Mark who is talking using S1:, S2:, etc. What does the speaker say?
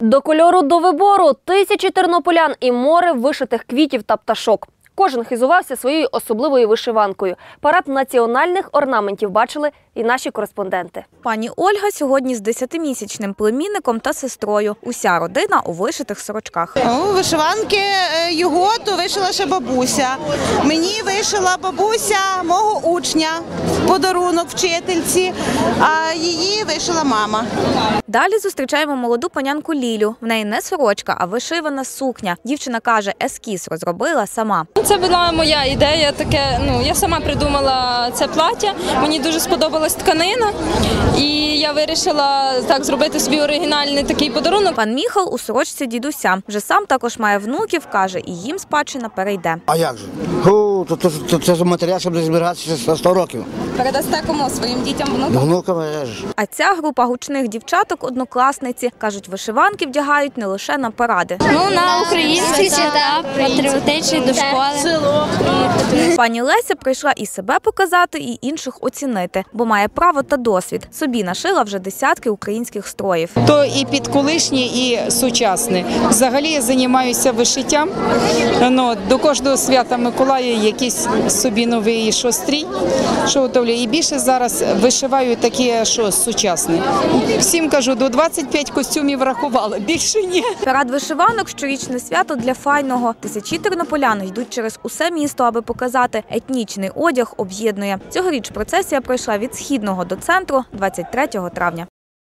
S1: До кольору до вибору – тисячі тернополян і море вишитих квітів та пташок. Кожен хизувався своєю особливою вишиванкою. Парад національних орнаментів бачили і наші кореспонденти.
S2: Пані Ольга сьогодні з 10-місячним племінником та сестрою. Уся родина у вишитих сорочках.
S3: Вишиванки його то вишила ще бабуся. Мені вишила бабуся мого учня, подарунок вчительці, а її вишила мама.
S2: Далі зустрічаємо молоду панянку Лілю. В неї не сорочка, а вишивана сукня. Дівчина каже, ескіз розробила сама.
S4: Це була моя ідея, я сама придумала це плаття, мені дуже сподобалась тканина і я вирішила так зробити собі оригінальний такий подарунок.
S2: Пан Міхал у сорочці дідуся. Вже сам також має внуків, каже, і їм спадщина перейде.
S5: А як же? Це ж матеріал, щоб не збиратися 100 років.
S4: Передасте кому? Своїм дітям, внукам?
S5: Внукам.
S2: А ця група гучних дівчаток – однокласниці. Кажуть, вишиванки вдягають не лише на паради.
S6: На українські свята, патріотичні до школи.
S2: Пані Леся прийшла і себе показати, і інших оцінити, бо має право та досвід. Собі нашила вже десятки українських строїв.
S7: То і підколишнє, і сучасне. Взагалі я займаюся вишиттям. До кожного свята Миколая якийсь собі новий стрій, що готовлю. І більше зараз вишиваю таке, що сучасне. Всім кажу, до 25 костюмів врахувала, більше ні.
S2: Парад вишиванок – щорічне свято для файного. Тисячі тернополян йдуть через усе місто, аби показати, етнічний одяг об'єднує. Цьогоріч процесія пройшла від Східного до центру 23 травня.